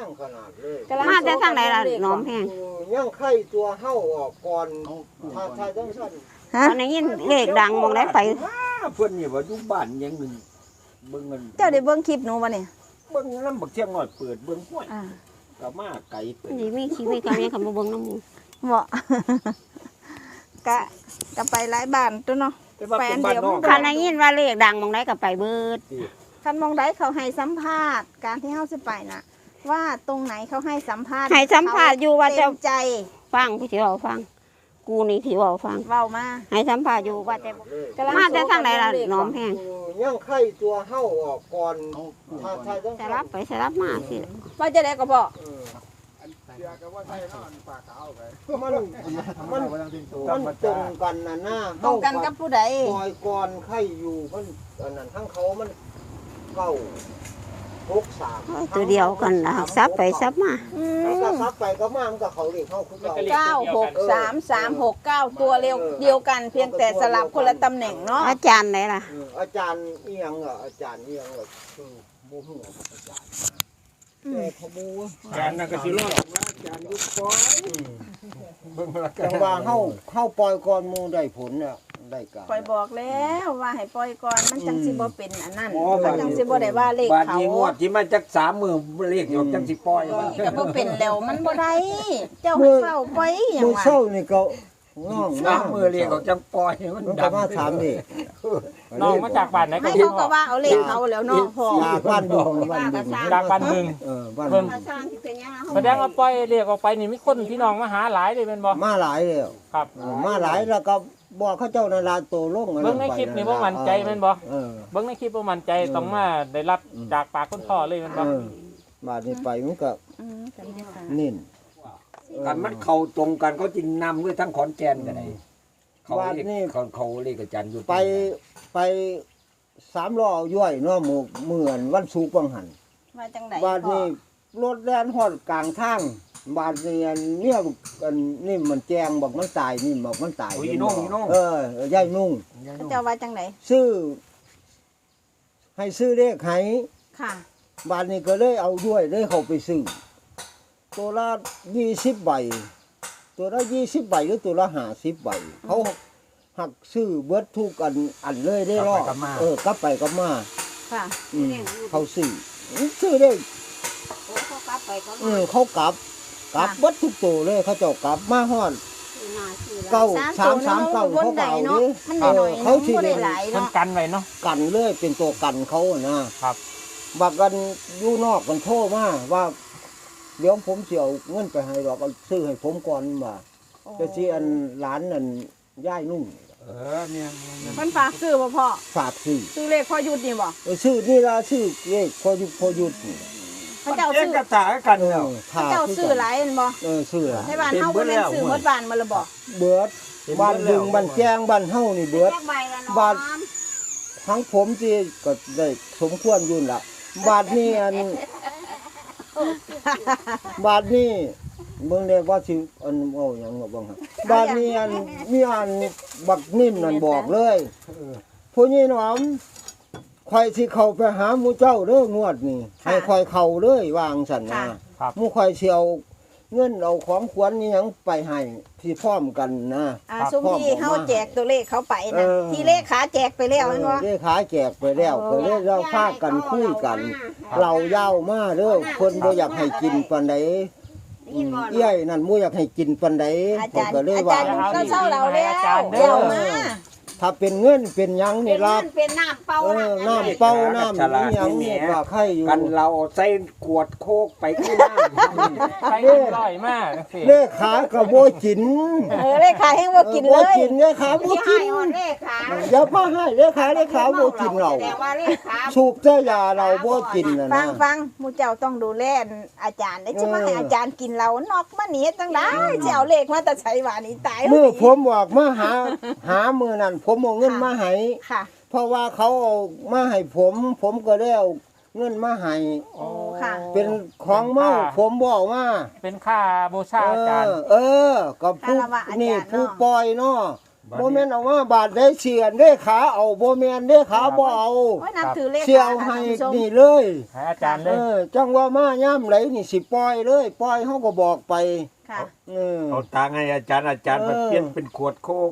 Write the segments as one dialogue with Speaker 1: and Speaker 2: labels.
Speaker 1: งขนาดเลย
Speaker 2: มาแต่ทางไหนล่ะน้อมแพง
Speaker 1: ย่างไข่ตัวเห่าออกก่อนถ้าต้องสั้น
Speaker 2: ตอนนี้ยินเลขดังมองได้ไป
Speaker 3: เพิ่นนี่ว่าอยู่บ้านยังหนึ่งเบิ่งเงิน
Speaker 4: เจ้าได้เบิ่งคลิปหนูบ่เนี่ย
Speaker 3: เบิ่งน้ำบักเที่ยงน้อยเปิดเบิ่งห้วยก็มาไก่เปิด
Speaker 2: นี่มีชีวิตเขาเนี่ยเขามาเบิ่งน้ำมู
Speaker 4: บ่ กะไปหลายบ้านตัวเนาะ
Speaker 3: แต่ว่าเป็นบ้านนอก
Speaker 2: คันได้ยินว่าเลขดังมองได้ก็ไปเบิด
Speaker 4: คันมองได้เขาให้สัมภาษณ์การที่เฮาสิไปน่ะ ว่าตรงไหนเขาให้สัมภาษณ์
Speaker 2: ให้สัมภาษณ์อยู่ว่าจะ
Speaker 4: เต็มใจ
Speaker 2: ฟังพี่สิเว้าฟัง กูนี่สิเว้าฟัง
Speaker 4: เว้ามา
Speaker 2: ให้สัมภาษณ์อยู่ว่าแต่มาแต่ทางไหนล่ะน้อมแพง
Speaker 1: ย่างไข่ตัวเห่าออกก่อนถ้าต้อง
Speaker 2: สลับไปสลับมาสิ
Speaker 4: ว่าจะได้ก็บ่
Speaker 1: มันตรงกันนะหน้า
Speaker 4: ตรงกันกับผู้ใด
Speaker 1: ปล่อยก่อนไข่อยู่มันอันนั้นทั้งเขามันเข้า63
Speaker 2: ตัวเดียวกันล่ะซับไปซับมา
Speaker 1: แล้วก็ซับไปก็มามันก็เขาเรียกเข้าคือเรา
Speaker 4: 963369ตัวเร็วเดียวกันเพียงแต่สลับคนละตำแหน่งเนาะ
Speaker 2: อาจารย์ไหนล่ะ
Speaker 1: อาจารย์เอียงอ่ะอาจารย์เอียงอ่ะคือโมโหอาจารย์แต่ขโมย
Speaker 3: อาจารย์น่ะก็สิรอดอาจารย์ยุบปอยเบิ่งละกั
Speaker 1: จั
Speaker 3: น
Speaker 1: งว่าเข้าปล่อยก่อนหมูได้ผลน่ะได้การ
Speaker 4: ปล่อยบอกแล้วว่าให้ปล่อยก่อนมันจังสิบ่เป็นอันนั้นมันจังสิบ่ได้ว่าเลข
Speaker 3: บาด
Speaker 4: เขา
Speaker 3: นี้งวดที่มาจัก3มื้อเลขอยู่จังสิปล่อยว่า
Speaker 4: ก็บ่เป็นแล้วมันบ่ได้เจ้าให้เฝ้าปล่อยหยั
Speaker 1: มื
Speaker 4: ง
Speaker 1: อ
Speaker 4: ว่า
Speaker 1: เศร้านี่ก็น้อง
Speaker 3: 3มื้อเลขออกจังปล่อยมัน
Speaker 1: มัน
Speaker 3: ดั
Speaker 1: ก็
Speaker 3: ง
Speaker 1: มาถามนี่
Speaker 5: น้องมาจากบ้านไหน
Speaker 4: ให้
Speaker 5: กัน
Speaker 4: เขาก็ว่าเอาเลขเขาแล้วเนาะพ่อ
Speaker 1: จากบ้านดุงบ้านดุง
Speaker 5: จากบ้านบึง
Speaker 1: บ้าน
Speaker 5: เพิ่
Speaker 1: ดุ
Speaker 5: น
Speaker 1: ง
Speaker 5: แสดงว่าปล่อยเรียกออกไปนี่มีคนพี่น้องมาหาหลายเลยเป็นบ่
Speaker 1: มาหลายแล้ว
Speaker 5: ครับ
Speaker 1: มาหลายแล้วก็บอกเขาเจ้านาราโตลง
Speaker 5: เบิ่งในคลิปนี่บ่มั่นใจแม่นบ่
Speaker 1: เออ
Speaker 5: เบิ่งในคลิปบ่มั่นใจต้องมาได้รับจากปากคนพ่อเลยแม่นบ่
Speaker 1: บาดนี้ไปมันก็
Speaker 4: ก็ได้ค่ะ
Speaker 1: นิ่น
Speaker 3: กันมันเข้าตรงกันเขาจึงนำด้วยทั้งขอนแก่นก็ได้เขา
Speaker 1: บาด
Speaker 3: เรียก
Speaker 1: นี้
Speaker 3: เขาเรียกอาจารย์อยู่
Speaker 1: ไป3 ล้อย่อยเนาะหมู่เหมือนวันศุกร์บังหัน
Speaker 4: มาจังได๋
Speaker 1: บาดนี้รถแล่นฮอดกลางทางบาดนี้อันเนี่ยอันนี่มันแจงบอกมันตายนี่บอกมันตาย
Speaker 3: โอ้ยอีนุ่งอีนุ่ง
Speaker 1: ยายนุ่ง
Speaker 4: เขาเจ้าว่าจังได๋
Speaker 1: ซื้อให้ซื้อเลขให้
Speaker 4: ค่ะ
Speaker 1: บาดนี้ก็เลยเอาด้วยเลยเขาไปซื้อตัวละ20 ใบ ตัวละ20 ใบหรือตัวละ50 ใบเขาหักซื้อเบิดทุกอันเลยได้รอกลับไปกลับมา
Speaker 4: ค่ะ
Speaker 1: เขาซื้อได้
Speaker 2: เขากลับไปก็
Speaker 1: เขากลับเบิดทุกตัวเลยเขาเจ้ากลับมาฮอดเก้า339เขาก็เอาดิ
Speaker 4: มันน้อยๆ
Speaker 1: เขา
Speaker 4: เนาะ
Speaker 1: สิ
Speaker 4: บ่
Speaker 1: ได้
Speaker 4: ได้หลาย
Speaker 5: เพิ่น
Speaker 4: เนาะ
Speaker 5: กันไว้เนาะ
Speaker 1: กันเลยเป็นตัวกันเขาอะนะครับ บักกันอยู่นอกกันโทรมาว่าเดี๋ยวผมสิเอาเงินไปให้ดอกเอาซื้อให้ผมก่อนว่าจะสิอันหลานนั่นย่ายนุ่ง
Speaker 3: เนี่ย
Speaker 4: มันฝากซื้อบ่พ่อ
Speaker 1: ฝากซื้อ
Speaker 4: ซื้อเลขพ่อยุดนี่บ่
Speaker 1: ซื้อนี่ล่ะซื้อเลขพอหยุดนี่
Speaker 4: เขาเจ้า
Speaker 3: เอ๊ะ
Speaker 4: ซื้อ
Speaker 3: กระถากันแล้ว
Speaker 4: เขาเจ้าซื้อหลายแม่นบ่
Speaker 1: ซื้อหลาย
Speaker 4: ในบ้านเฮาบ่แม่นซื้อหมดบ้านมาและบ่
Speaker 1: เบิดบ้านดึงบ้านแจ้งบ้านเฮานี่เบิด บาท ทั้งผมที่ก็ได้สมควรอยุ่นละบาทนี้บาทนี้เบิ่งได้ว่าสิอันเอาหยังบ่บ้างครับบาทนี้มีบักนิ่มนั่นบอกเลยผู้นี้หนอมข่อยสิเข้าไปหาหมู่เจ้าเด้องวดนี้ให้ข่อยเข้าเลยวางซั่นนะหมู่ข่อยสิเอาเงินเอาของขวัญนี่หยังไปให้ที่พร้อมกันนะ
Speaker 4: ซุมที่เฮาแจกตัวเลขเขาไปนั่นที่เลขขาแจกไปแล้วแม่นบ่
Speaker 1: ได้ขาแจกไปแล้วก็เลยเราพากันคุยกัน เรายาวมาเด้อเพิ่นบ่อยากให้กินปานใดเอี้ยนั่นบ่อยากให้กินปานใด
Speaker 4: อา
Speaker 1: ผม
Speaker 4: จารย์
Speaker 1: ก็เลย
Speaker 4: อา
Speaker 1: ว่า
Speaker 4: จารย์ก็เศร้าเราแล้วเดี๋ยวมา
Speaker 1: ถ้าเป็นเงินเป็นหยังนี่ล่ะ
Speaker 2: เป็นน้ำเปล่า
Speaker 1: น้ำเป้าน้ำอีหยังนี่ก็ใครอยู่
Speaker 3: กันเราใส่ขวดโคกไปขึ้นน้ำ
Speaker 5: ไปกันร้อยมากจังซี่
Speaker 1: เลขาก็บ่กิน
Speaker 4: เลขขาแห้งบ่กินเล
Speaker 1: บ่
Speaker 4: ย
Speaker 1: กินเลขาบ่กิน
Speaker 2: เลขขา
Speaker 1: อย่ามาให้เลขาบ่กินเรา
Speaker 2: แต่ว่าเลขขา
Speaker 1: สูบแต่ยาเราบ่กินน่ะ
Speaker 4: ฟั
Speaker 1: นะ
Speaker 4: งฟังหมู่เจ้าต้องดูแลอาจารย์ได้จะมาให้อาจารย์กินเรานอกมาหนีจังได๋สิเอาเลขมาแต่ใช้ว่านี่ตาย
Speaker 1: มื้อผมบอกมาหามื้อนั้นผมเอาเงินมาให้
Speaker 4: ค่ะ
Speaker 1: เพราะว่าเขาเอามาให้ผมก็ได้เอาเงินมาให้
Speaker 4: โอ้ค่ะ
Speaker 1: เป็นของเมาผมบอกว่า
Speaker 5: เป็นค่าบูชาอาจารย์
Speaker 1: ก็ผู้นี่ผู้ปล่อยเนาะบ่แม่นเอามาบาทได้เสียนได้ขาเอาบ่แม่นได้ขาบ่เอา
Speaker 4: โอ้ยนับถือเลข
Speaker 1: เสียเอาให้นี่เลย
Speaker 5: ให้อาจารย์เลย
Speaker 1: จังว่ามาย่ำไหลนี่สิปล่อยเลยปล่อยเฮาก็บอกไป
Speaker 4: ค่ะ
Speaker 3: เอาตังค์ให้อาจารย์มาเปลี่ยนเป็นขวดโคก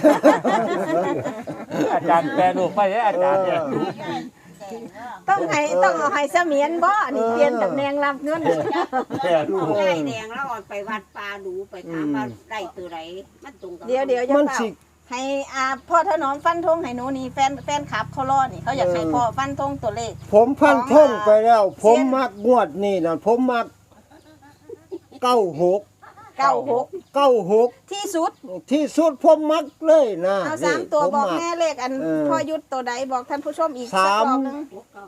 Speaker 5: อาจารย์แปลรูปไปเลยอาจารย์เนี่ย
Speaker 4: ต้องเอาให้เสมียนบ่นี่เปลี่ยนตำแหน่งรับเงิน
Speaker 5: แปลรูป
Speaker 2: ไก่แดงแล้วเอาไปวัดปลาดูไปถามว่าได้ตัวไหนมันตรงกับ
Speaker 4: เดี๋ยวจะ
Speaker 1: มัน
Speaker 4: เฝ้า
Speaker 1: สิ
Speaker 4: ให้พ่อถนอมฟันธงให้หนูนี่แฟนคลับเขารอนี่เขาอยากให้พ่อฟันธงตัวเลข
Speaker 1: ผมพันทงไปแล้ว ผมมักงวดนี่น่ะผมมัก96
Speaker 4: ที่สุด
Speaker 1: ที่สุดผมมักเลยนะ
Speaker 4: เอา
Speaker 1: นี่
Speaker 4: 3ตัว
Speaker 1: ผม
Speaker 4: บอก
Speaker 1: มั
Speaker 4: แม่เลขอันพ่อยุทธตัวใดบอกท่านผู้ชมอีกสักรอบนึง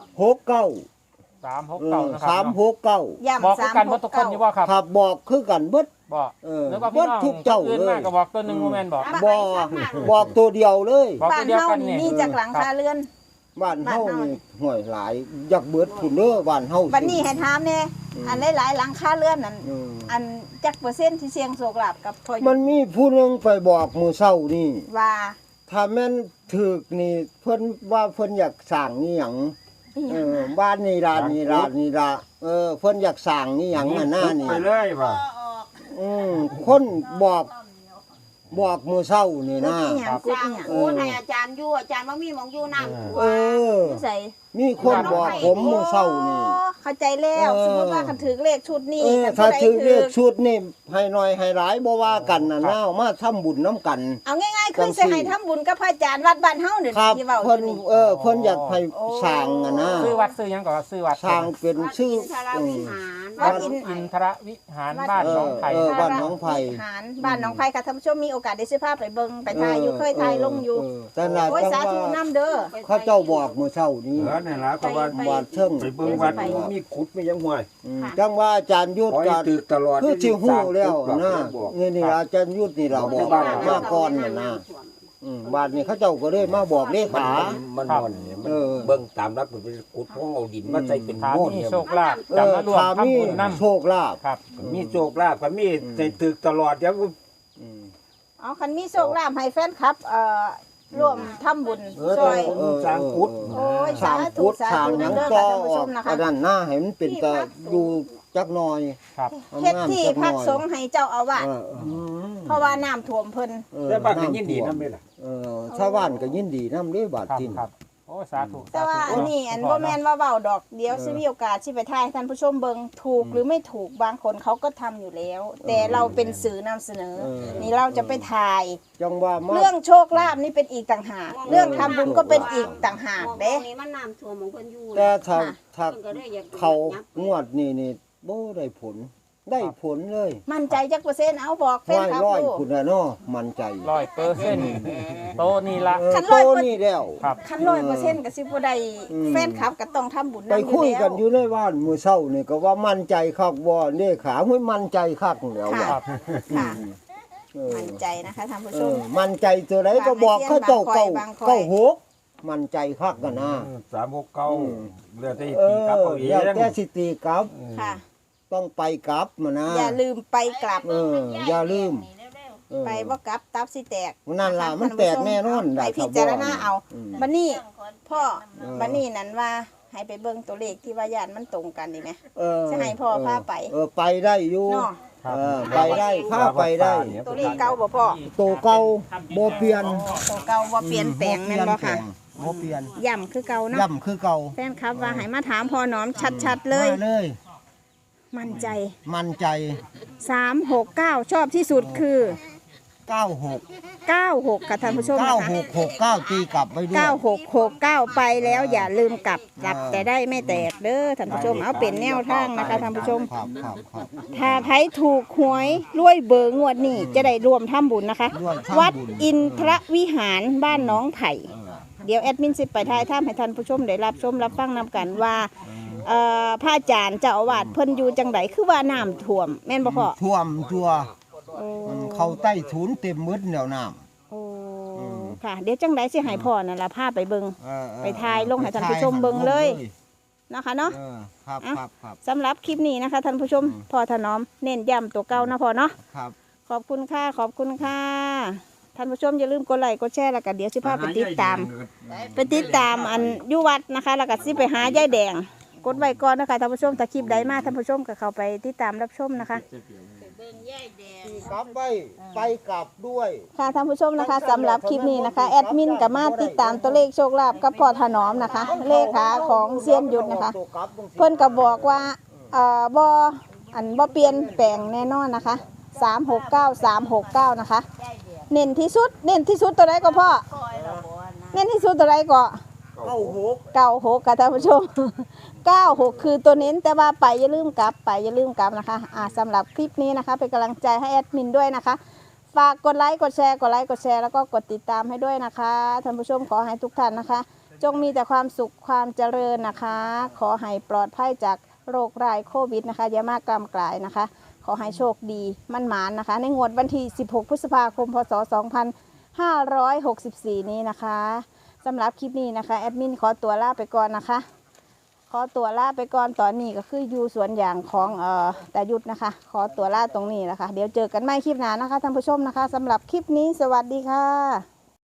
Speaker 1: 69
Speaker 5: 369นะครับ
Speaker 1: 369
Speaker 4: ย้ำ
Speaker 5: บอกคือกันว่าทุกคนอยู่ว่าครับ
Speaker 1: ครับบอกคือกันเบิด
Speaker 5: บอก
Speaker 1: แล้ว
Speaker 5: ก็
Speaker 1: เบิ
Speaker 5: พี่
Speaker 1: ด
Speaker 5: น้อง
Speaker 1: ทุกเจ้า
Speaker 5: อื่น
Speaker 1: เล
Speaker 5: มาย กก็บอกตัวหนึงโมเมนต์บอก
Speaker 1: บอกตัวเดียวเลย
Speaker 5: บอก
Speaker 4: บ้า
Speaker 5: ตัวน เดียว
Speaker 4: เฮา
Speaker 5: กัน
Speaker 4: นี่
Speaker 5: นี่
Speaker 4: มีจากหลังคาเรือน
Speaker 1: บ้านเฮานี่ห่วยหลายอยากเบิดพุ่นเด้อบ้านเฮา
Speaker 4: บัดนี้ให้ถามแน่อันหลายๆหลังคาเรือนนั่น
Speaker 1: อืม
Speaker 4: อันจักเปอร์เซ็นต์ที่เสี่ยงโชคลาภกับพ่อยุ
Speaker 1: มั
Speaker 4: ท
Speaker 1: น
Speaker 4: ธ
Speaker 1: มีผู้หนึงไปบอกมื้อเช้านี่
Speaker 4: ว่า
Speaker 1: ถ้าแม่นถึกนี่เพิ่นว่าเพิ่นอยากสร้างนี่หยังบ้านนี่ล่ะนี่ล่ะนี่ล่ะเพิ่นอยากสร้างนี่หยังน่ะหน้านี่
Speaker 3: ไปเลยว่ะ
Speaker 1: คนบอกมื้อเช้านี่
Speaker 4: กู
Speaker 1: นะ
Speaker 4: อีหยังกู
Speaker 2: สร้า
Speaker 4: อี
Speaker 2: ง
Speaker 4: หยัง
Speaker 2: คูณให้อาจารย์อยู่อาจารย์ว่ามีหมองอยู่น้ำ
Speaker 1: เออ
Speaker 4: อยู่ไส
Speaker 1: มีคนบอกผมมื้อเช้านี่
Speaker 4: เข้าใจแล้ว สมมุติว่าคันถือเลขชุดนี้คัน
Speaker 1: ถ้า
Speaker 4: ผู้ใด
Speaker 1: ถือเลขชุดนี่ให้น้อยให้หลายบ่ว่ากันน่ะนะเอามาทำบุญนํกัน
Speaker 4: เอาง่ายๆคือสิให้ทำบุญกับพระอาจารย์วัดบ้านเฮานี่
Speaker 1: ครับ
Speaker 4: ที่เว้าอ
Speaker 1: เพิ่น
Speaker 4: ยู่นี่
Speaker 1: เพิ่นอยากให้สร้างอะนะ
Speaker 5: ซื้อวัดซื้อหยังก่อนซื้อวัด
Speaker 1: สร้างเป็นชื่อ
Speaker 2: ทราวิหาร
Speaker 4: วัดอิน
Speaker 5: อินทรวิหารบ้านหน้องไผ่
Speaker 1: บ้านหนองไผ่
Speaker 4: หารบ้านหนองไผ่ค่ะท่านผู้ชมมีโอกาสได้ซื้อภาพไปเบิ่งไปถ่ายอยู่เคยถ่ายลงอยู่
Speaker 1: แต่น่ะ
Speaker 4: โอ้ย
Speaker 1: จั
Speaker 4: สาง ธุ
Speaker 1: ว่า
Speaker 4: นํเด้อ
Speaker 1: เขาเจ้าบอกมื้อเช้านี้
Speaker 3: นี่ล่ะก็ว่า
Speaker 1: บาดเชิง
Speaker 3: ไปเบิ่งวัดมีขุดมียังห่วย
Speaker 1: จังว่าอาจารย์ยุทธ
Speaker 3: ขอให้
Speaker 1: ก็
Speaker 3: ตึกตลอด
Speaker 1: คือสิฮู้แล้วนะ
Speaker 3: บอก
Speaker 1: นี่อาจารย์ยุทธนี่เราบอก
Speaker 3: บ้าน
Speaker 1: มาก่อนน่ะนะบาดนี้เขาเจ้าก็เลยมาบอกเลขา
Speaker 3: มันนอนเนี่ยมันเบิ่งตามรักมันเป็นขุดเพราะเอาดินมาใส่เป็น
Speaker 5: ถาม
Speaker 3: โม่
Speaker 5: มี
Speaker 3: เนี่ย
Speaker 5: โชคลาภจะมารวม
Speaker 1: ถ้ามี
Speaker 5: ทำบุญนำ
Speaker 1: โชคลาภ
Speaker 5: ครับ
Speaker 3: มีโชคลาภก็มีใส่ตึกตลอดเดี๋ยว
Speaker 4: เอาคันมีโชคลาภให้แฟนคลับร่วมทำบุญช่วย
Speaker 3: สร้างขุด
Speaker 4: โอ้ย
Speaker 1: สร้า
Speaker 4: สาง ธุ
Speaker 1: พุทธ
Speaker 4: สา
Speaker 1: สร้าง
Speaker 4: ธุ
Speaker 1: หยัง
Speaker 4: เด้อ
Speaker 1: ก็
Speaker 4: ค่ะท่านผู้
Speaker 1: อ
Speaker 4: ช
Speaker 1: อก
Speaker 4: มนะคะ
Speaker 1: อันนั้นหน้าให้มันเป็นตาอยู่จักหน่อย
Speaker 5: ครับ
Speaker 4: เฮ็ดที่พักสงฆ์ให้เจ้าอาวาสเพราะว่าน้ำท่วมเพิ่น
Speaker 3: แต่บ้านก็ยินดีนำเลยล่ะ
Speaker 1: ชาวบ้านก็ยินดีนำเด้บาด
Speaker 5: ครับ
Speaker 1: ทิน
Speaker 5: ครับโอ้สาธุ
Speaker 4: แต่ว่าอันนี้อันบ่แม่นว่าเว้าดอกเดี๋ยวสิมีโอกาสสิไปถ่ายให้ท่านผู้ชมเบิ่งถูกหรือไม่ถูกบางคนเขาก็ทำอยู่แล้ว แต่เราเป็นสื่อนำเสนอ นี่เราจะไปถ่าย
Speaker 1: จังว่ามา
Speaker 4: เรื่องโชคลาภนี่เป็นอีกต่างหาก เรื่องทำบุญก็เป็นอีกต่างหากเด้
Speaker 2: นี้มันน้ำท่วมของเพิ่นอยู่
Speaker 1: แต่ถ้า
Speaker 2: เพิ่นก็เลยอยาก
Speaker 1: เขางวดนี่บ่ได้ผลได้ผลเลย
Speaker 4: มั่นใจจักเปอร์เซ็นต์เอาบอกแฟนคลับ
Speaker 1: ร้อย
Speaker 4: ดู
Speaker 1: คุณน่ะเนาะมั่นใจ
Speaker 5: 100%โตนี่ละ
Speaker 4: คัน
Speaker 1: โต
Speaker 4: 100%
Speaker 1: นี่แล้ว
Speaker 5: ครับ
Speaker 4: คัน100%ก็สิบ่ได้แฟนคลับก็ต้องทำบุญ
Speaker 1: ไป
Speaker 4: นำ
Speaker 1: คุย
Speaker 4: แล้
Speaker 1: กัน
Speaker 4: ว
Speaker 1: อยู่ในบ้านมื้อเช้านี่ก็ว่ามั่นใจคักบ่เลขาห้ยมั่นใจคักแล้ว
Speaker 4: ค่ะ
Speaker 5: ครับ
Speaker 4: ค่ะ
Speaker 1: เออ
Speaker 4: มั่นใจนะคะท่านผู้ชม
Speaker 1: มั่นใจตัวไหนก็บอกเขาเจ้า
Speaker 4: บางคอย
Speaker 1: เก้าหกมั่นใจคักกันนะ
Speaker 3: 369เหลือแต่
Speaker 1: เอ
Speaker 3: ตีกับ
Speaker 1: อ
Speaker 3: เอาเอ
Speaker 1: แล้ว
Speaker 3: ง
Speaker 1: แต่สิตีกลับ
Speaker 4: ค่ะ
Speaker 1: ต้องไปกลับมานะ
Speaker 4: อย่าลืมไปกลับ
Speaker 1: อย่าลืมเออ
Speaker 4: ไปบ่กลับตับสิแตก
Speaker 1: นั่นล่ะมันแตกแน่นอน
Speaker 4: ไป
Speaker 1: ได้
Speaker 4: พิจารณาเอา
Speaker 1: อืม
Speaker 4: บัดนี้พ่อ
Speaker 1: เออ
Speaker 4: บัดนี้นั้นว่าให้ไปเบิ่งตัวเลขที่ว่าญาติมันตรงกันดีไหม
Speaker 1: เออ
Speaker 4: จะให้พ่อพาไป
Speaker 1: ไปได้อยู่
Speaker 4: เนาะ
Speaker 1: เออไปได้พาไปได้
Speaker 4: ตัวเลขเก่าบ่พ่อ
Speaker 1: ตัวเก่าบ่เปลี่ยน
Speaker 4: ตัวเก่าบ่เปลี่ยนแปลงแม่นบ่ค่ะ
Speaker 1: บ่เปลี่ยน
Speaker 4: ย่ำคือเก่าเนาะ
Speaker 1: ย่ำคือเก่า
Speaker 4: แฟนคลับว่าให้มาถามพ่อหนอมชัดๆเลย
Speaker 1: มาเลย
Speaker 4: มั่นใจ
Speaker 1: มั่นใจ
Speaker 4: 369 ชอบที่สุดคือ
Speaker 1: 96
Speaker 4: 96ค่ะท่านผู้ชมนะคะ
Speaker 1: 9669ตีกลับไปด้วย
Speaker 4: 9669 ไปแล้วอย่าลืมกลับแต่ได้ไม่แตกเด้อท่านผู้ชมเอาเป็นแนวทางนะคะท่านผู้ชม
Speaker 1: ครับ
Speaker 4: ถ้าไผถูกหวยรวยเบอร์งวดนี้จะได้รวมทำบุญนะคะ
Speaker 1: ร่วมทำบุญ
Speaker 4: วัดอินทรวิหารบ้านหน้องไผ่ เดี๋ยวแอดมินสิไปทายถ้ำให้ท่านผู้ชมได้รับชมรับฟังนำกันว่าพระอาจารย์เจ้าอาวาสเพิ่นอยู่จังไดคือว่าน้ำท่วมแม่นบ่พ่อ
Speaker 1: ท่วมตัว
Speaker 4: โอ้
Speaker 1: เข้าใต้ถุนเต็มมืดแนวน้
Speaker 4: โอ้ค่ะ เดี๋ยวจังไดสิให้พ่อนั่นล่ะพาไปเบิ่ง
Speaker 1: ำ
Speaker 4: ไปถ่ายลงให้ท่านผู้ชมเบิ่งเลย นะคะเนาะ
Speaker 1: ครับ
Speaker 4: สำหรับคลิปนี้นะคะท่านผู้ชมพ่อถนอมเน้นย้ำตัวเก่านะพ่อเนาะ
Speaker 1: ครับ
Speaker 4: ขอบคุณค่ะขอบคุณค่ะท่านผู้ชมอย่าลืมกดไลค์กดแชร์แล้วก็เดี๋ยวสิพาไปติดตามอันอยู่วัดนะคะแล้วก็สิไปหายายแดงกดไว้ก่อนนะคะท่านผู้ชมถ้าคลิปใดมาท่านผู้ชมก็เข้าไปติดตามรับชมนะคะ
Speaker 1: กลับไปกลับด้วย
Speaker 4: ค่ะท่านผู้ชมนะคะสำหรับคลิปนี้นะคะแอดมินกับมาติดตามตัวเลขโชคลาภกับพ่อถนอมนะคะเลขาของเซียนยุทธนะคะเพิ่นก็บอกว่าบ่เปลี่ยนแปลงแน่นอนนะคะ369นะคะเน้นที่สุดตัวไหนก็พ่อเน้นที่สุดตัวไหนก็96ค่ะท่านผู้ชม96คือตัวเน้นแต่ว่าไปอย่าลืมกลับนะคะสำหรับคลิปนี้นะคะเป็นกำลังใจให้แอดมินด้วยนะคะฝากกดไลค์กดแชร์แล้วก็กดติดตามให้ด้วยนะคะท่านผู้ชมขอให้ทุกท่านนะคะจงมีแต่ความสุขความเจริญนะคะขอให้ปลอดภัยจากโรคร้ายโควิดนะคะอย่ามากกำกลายนะคะขอให้โชคดีมั่นหมานนะคะในงวดวันที่16พฤษภาคมพศ2564นี้นะคะสำหรับคลิปนี้นะคะแอดมินขอตัวลาไปก่อนนะคะตอนนี้ก็คืออยู่สวนยางของตายุทธนะคะขอตัวลาตรงนี้นะคะเดี๋ยวเจอกันใหม่คลิปหน้านะคะท่านผู้ชมนะคะสำหรับคลิปนี้สวัสดีค่ะ